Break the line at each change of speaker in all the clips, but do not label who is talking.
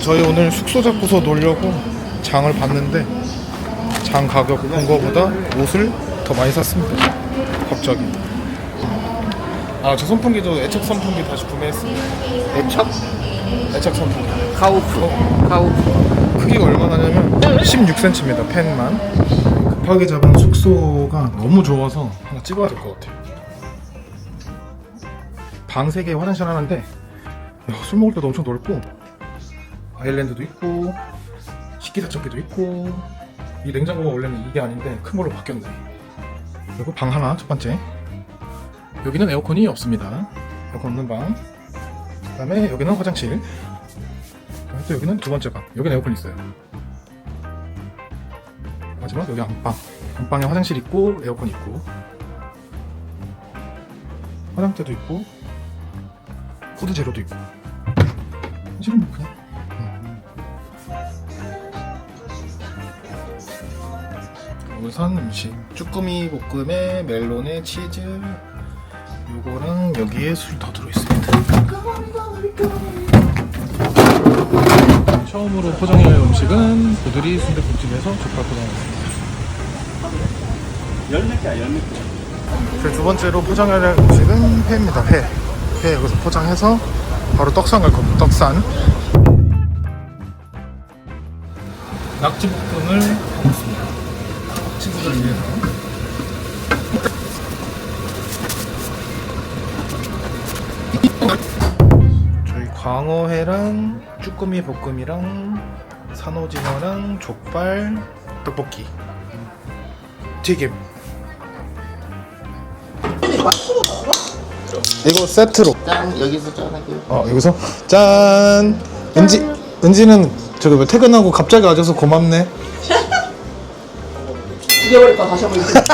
저희 오늘 숙소 잡고서 놀려고 장을 봤는데 장 가격 본 거보다 옷을 더 많이 샀습니다. 갑자기. 아, 저 선풍기도 애착 선풍기 다시 구매했습니다.
애착?
애착 선풍기.
카우프. 카우프.
크기가 얼마나냐면 16cm입니다. 펜만. 급하게 잡은 숙소가 너무 좋아서 하나 찍어야 될 것 같아요. 방 3개 화장실 하나인데 술 먹을 때도 엄청 넓고 아일랜드도 있고 식기세척기도 있고 이 냉장고가 원래는 이게 아닌데 큰 걸로 바뀌었네. 그리고 방 하나 첫 번째. 여기는 에어컨이 없습니다. 에어컨 없는 방. 그 다음에 여기는 화장실. 또 여기는 두 번째 방. 여기는 에어컨 있어요. 마지막 여기 안방. 안방에 화장실 있고 에어컨 있고 화장대도 있고 푸드 재료도 있고. 사실은 뭐 그냥 우선 음식 쭈꾸미 볶음에 멜론에 치즈 요거랑 여기에 술 더 들어있습니다. 처음으로 포장해야 할 음식은 고드리 순댓국집에서 족발 포장했습니다. 두 번째로 포장해야 할 음식은 회입니다. 회 여기서 포장해서 바로 떡산 갈 겁니다. 떡산 낙지볶음을 먹습니다. 친구들 위해서. 저희 광어회랑 쭈꾸미 볶음이랑 산오징어랑 족발, 떡볶이, 튀김. 이거 세트로.
짠. 여기서 짠 할게요.
여기서 짠. 은지는 저기 왜 퇴근하고 갑자기 와줘서 고맙네.
죽여버릴까 다시 한번 이렇게.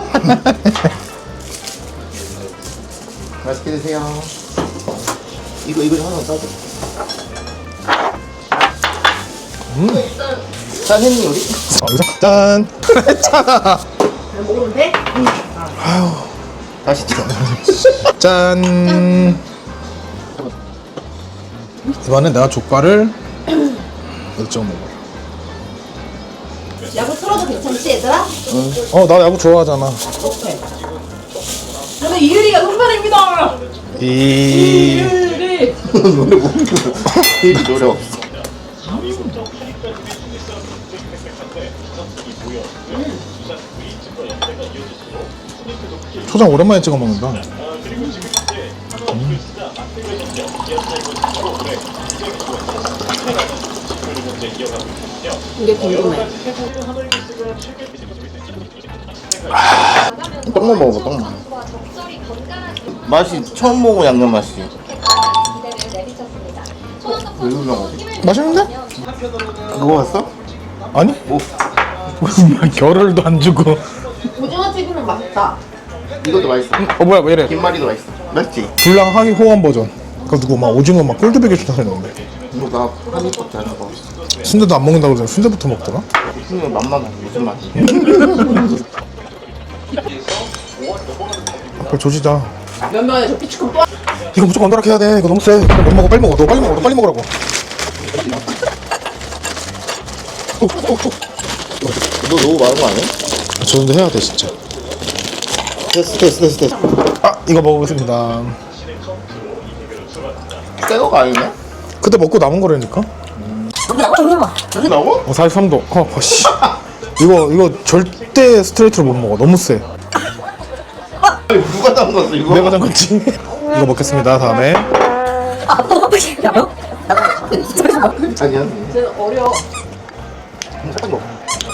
맛있게 드세요. 이거 하나 싸줘. 짠 했니 우리?
여기서 짠. 했잖아.
먹으면 돼?
다시 찍어.
짠. 이번엔 내가 족발을 열정 먹어.
야구 틀어도 괜찮지 얘들아?
나 야구 좋아하잖아.
오케이. 저는 이유리가 선발입니다. 이유리.
노래 못 불러. 노래 없어.
초장 오랜만에 찍어 먹는다.
이게 궁금해.
떡만 먹어봐. 떡만. 맛이 처음 먹은 양념 맛이. 왜 유명하지?
맛있는데?
그거 봤어?
아니?
뭐?
결을도 안 주고.
오징어 튀김은 맛있다.
이것도 맛있어.
뭐야 왜 이래?
김말이도 맛있어. 맛있지?
불랑 하위 호환 버전. 그 누구 막 오징어 막 꼴드베개 주다 했는데.
이거 나 한입밖에 안 먹어.
순대도 안 먹는다고 그러잖아. 순대부터 먹더라.
무슨 맛만 무슨 맛?
그걸 조지자.
몇 명에 저 피치콘 또.
이거 무조건 언더락 해야 돼. 이거 너무 세. 그래, 못 먹어. 빨리 먹어. 너 빨리 먹어. 너 빨리 먹으라고.
너 너무 많은 거 아니야?
저 정도 해야 돼 진짜.
됐어.
이거 먹어보겠습니다.
새거가 아니네?
그때 먹고 남은 거라니까.
이게 나와?
43도. 씨. 이거 절대 스트레이트로 못 먹어. 너무 세.
누가 담갔어 이거?
내가 잠갔지. 이거 먹겠습니다. 다음에.
아니야.
쟤는 어려.
살짝 먹어.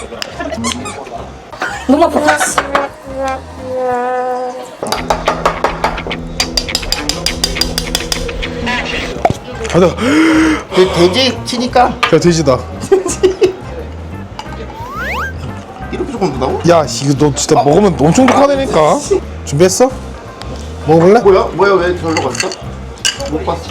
너무 아파.
가자.
돼지 치니까
야 돼지다.
이렇게 조금 넣다고?
야 이거 너 진짜 먹으면 엄청 독하다니까. 준비했어? 먹어볼래?
뭐야 왜 절로 갔어? 못 봤어.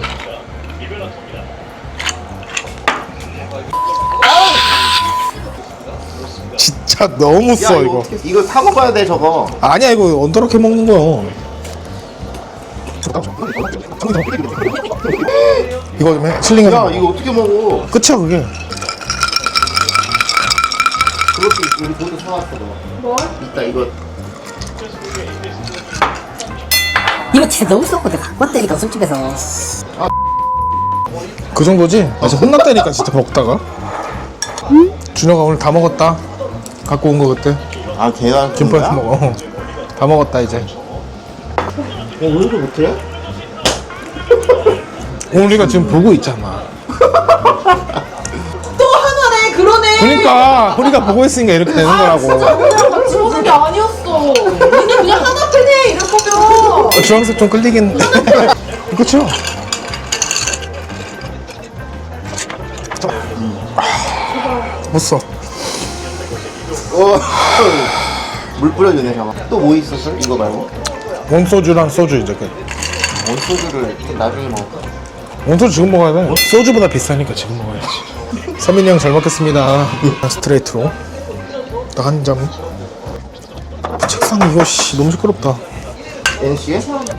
진짜 너무 써 이거.
이거 사 먹어야 돼 저거.
아니야 이거 언더럭해 먹는 거야. 이거 좀 해. 슬링해서
야
먹어.
이거 어떻게 먹어?
끝이야 그게.
그것도 우리 모두 사왔어 너.
뭘?
이따 이거
이거 진짜 너무 썩고 내가 갖고 왔다니까 술집에서.
그 정도지? 아 진짜 혼났다니까 진짜 먹다가. 준혁아 오늘 다 먹었다. 갖고 온 거 그때.
아 계란
김밥에서 먹어. 다 먹었다 이제.
야 오늘도 못해?
우리가 지금 보고 있잖아.
또 하나네 그러네.
그러니까 우리가 보고 있으니까 이렇게 되는 거라고.
우리랑 같이 보는 게 아니었어. 니네 그냥 하나 빼네 이럴 거면.
주황색 좀 끌리긴. 그쵸? 못 써.
물 뿌려주네 잠깐. 또 뭐 있었어? 이거 말고?
원소주랑 소주 이제 그.
원소주를 나중에 먹을까?
원소주 지금 먹어야 돼. 소주보다 비싸니까 지금 먹어야지. 서민이 형 잘 먹겠습니다. 스트레이트로 딱 한 점. 책상 이거 씨 너무 시끄럽다.
NC에?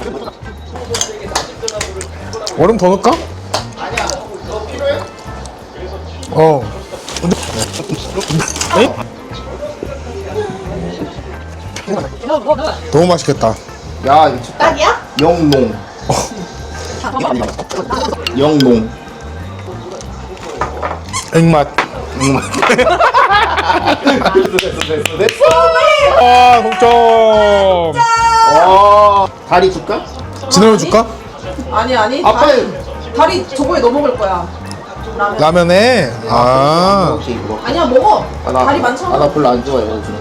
얼음 더 넣을까? 어. 에이? 너무 맛있겠다.
야 이거 진짜
딱이야?
영농. 영농.
액맛.
됐어.
아, 동점.
다리 줄까?
진호를 줄까?
아니
아빠
다리 저거에 넣어 먹을 거야. 라면.
라면에. 아.
오케이 그거.
아니야 먹어.
나,
다리 많잖아.
나 별로 안 좋아해 요즘.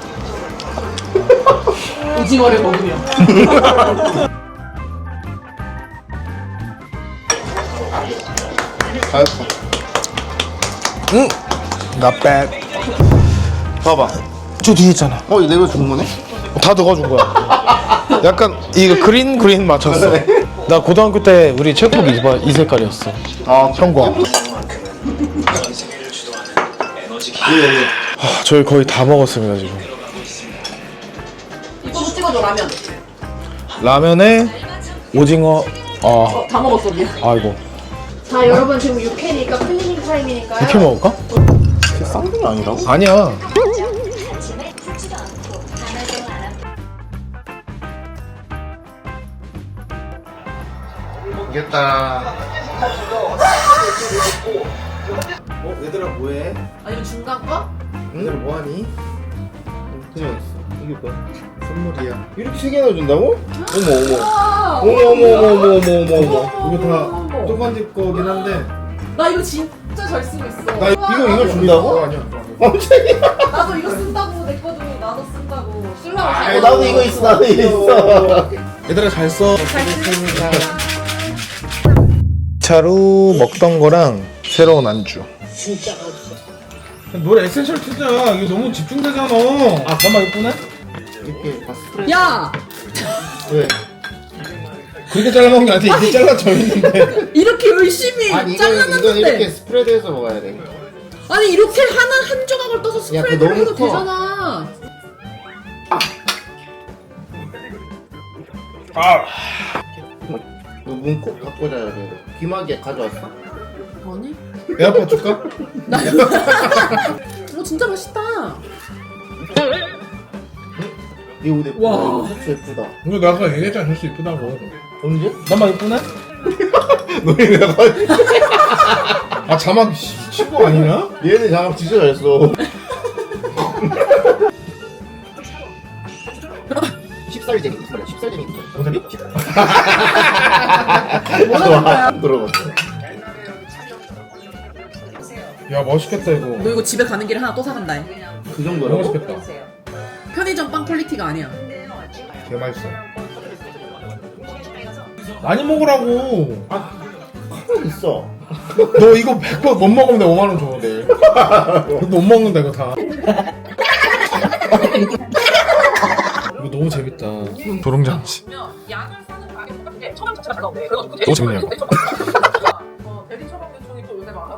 오징어를 먹으면.
잘했어.
응. Not bad.
봐봐.
저 뒤에 있잖아.
이거 내가 준 거네?
다 넣어준 거야. 약간 이거 그린 맞췄어. 나 고등학교 때 우리 체육복 이 색깔이었어.
아
형과.
예.
저희 거의 다 먹었습니다 지금.
이거 찍어줘 라면.
라면에 오징어.
다 먹었어 미안.
아이고.
자 여러분 지금 6회니까 클리닝 타임이니까요.
이렇게 먹을까?
쌍둥이 아니라고?
아니야.
이겼다. 얘들아 뭐해?
아니면 중간 거?
얘들아 뭐하니? 그냥 있어. 이게 뭐야? 선물이야. 이렇게 세 개나 준다고? 어머. 이거 다 쪼간지 거긴 한데.
나 이거 진짜 잘 쓰고 있어.
나 이거 준다고?
아니야.
깜짝이야.
나도 이거 쓴다고 내 거도 나도 쓴다고 쓰려고
나도 이거 있어. 나도 이거 있어.
얘들아 잘 써. 차로 먹던 거랑 새로운 안주. 노래 에센셜 트자. 이거 너무 집중되잖아. 아 잠깐만 이거 보내?
이렇게 봤어.
야!
왜?
그렇게 잘라먹은 게 아니라 이게 잘라져 있는데.
이렇게 열심히
아니 이건
잘라놨는데
이렇게 스프레드해서 먹어야 돼.
아니 이렇게 한 조각을 떠서
야, 그거
스프레드를
너무
해도
커.
되잖아.
너 문 꼭 닫고 자야 돼. 귀마개 가져왔어?
아니?
에어팟 줄까?
이거 진짜 맛있다.
이 옷 예쁘다.
와.
이거 셔츠 예쁘다.
이거 나 아까 얘기했잖아. 줄 수 이쁘다고.
언제?
나만 이쁘네?
너희 내가
아 자막 친구 아니냐?
얘네 장갑 진짜 잘 써. 10살쟁이 10살쟁이
뭔 소리?
들어봤어.
야 맛있겠다 이거.
너 이거 집에 가는 길에 하나 또 사간다.
그
너무
정도라고?
맛있겠다.
편의점 빵 퀄리티가 아니야.
개 맛있어. 많이 먹으라고.
가만 있어.
너 이거 100번 못 먹으면 내가 5만 원 줘 내일. 이거 못 먹는다 이거 다. 이거 너무 재밌다. 도롱잠시.
약을 사는 가격보다 근데 처방 자체가 잘 나오네.
너무 재밌네요.
대리 처방 요청이 또 요새 많아.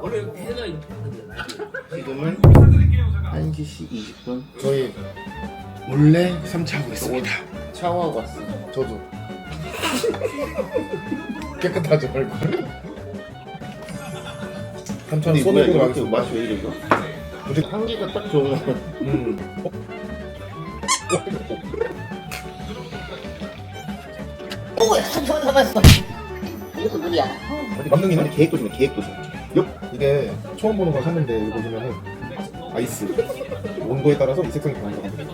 지금은 1시 20분.
저희 몰래 삼치하고 있습니다.
샤워하고 왔어.
저도. 깨끗하죠 얼굴. 반찬
근데
쏘는
이거
거
이렇게 맛이 왜 이래 이거?
우리
향기가 딱 좋은 거.
오, 손 잡았어. 이것도 물이야.
만능이네?
아니 계획도 좀 계획도 좀.
이게 처음 보는 걸 샀는데 여기 보시면은 아이스 온도에 따라서 이 색상이 변하거든요.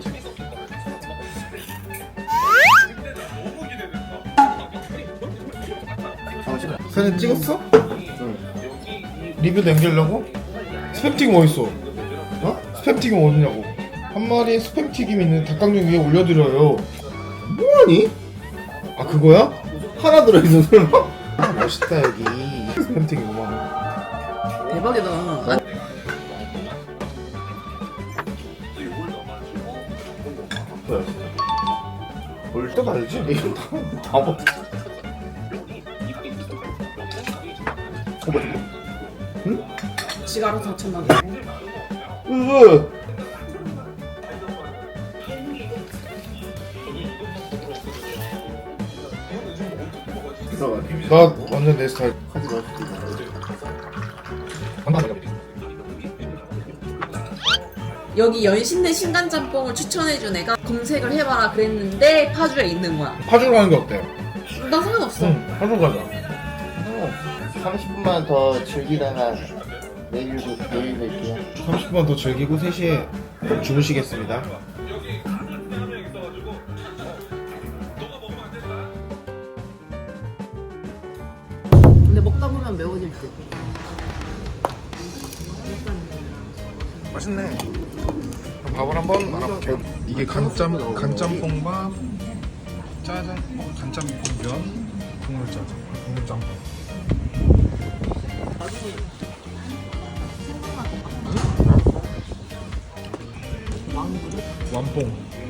사진 찍었어?
응.
리뷰 남기려고? 스팸튀김 어딨어? 어? 스팸튀김 어딨냐고. 한 마리 스팸튀김 있는 닭강정 위에 올려드려요.
뭐하니?
아 그거야?
하나 들어있는 설마?
아, 멋있다 여기. 스팸튀김 5만원.
대박이다.
뭐야?
볼 때도 알지?
이거 다 먹.
지가 알아서 다쳤나
으.
나 완전 내 스타일.
하지 마.
여기 연신내 신간짬뽕을 추천해준 애가 검색을 해봐라 그랬는데 파주에 있는 거야.
파주로 가는 게 어때?
나 상관없어.
응, 파주로 가자.
30분만 더 즐기다가 내일 뵐게요.
30분만 더 즐기고 3시에 주무시겠습니다.
근데 먹다 보면 매워질 듯.
맛있네. 밥을 한번 알아볼게요. 이게 간짬뽕밥, 짜장, 간짬뽕면, 국물짜장, 국물짬뽕. 완뽕.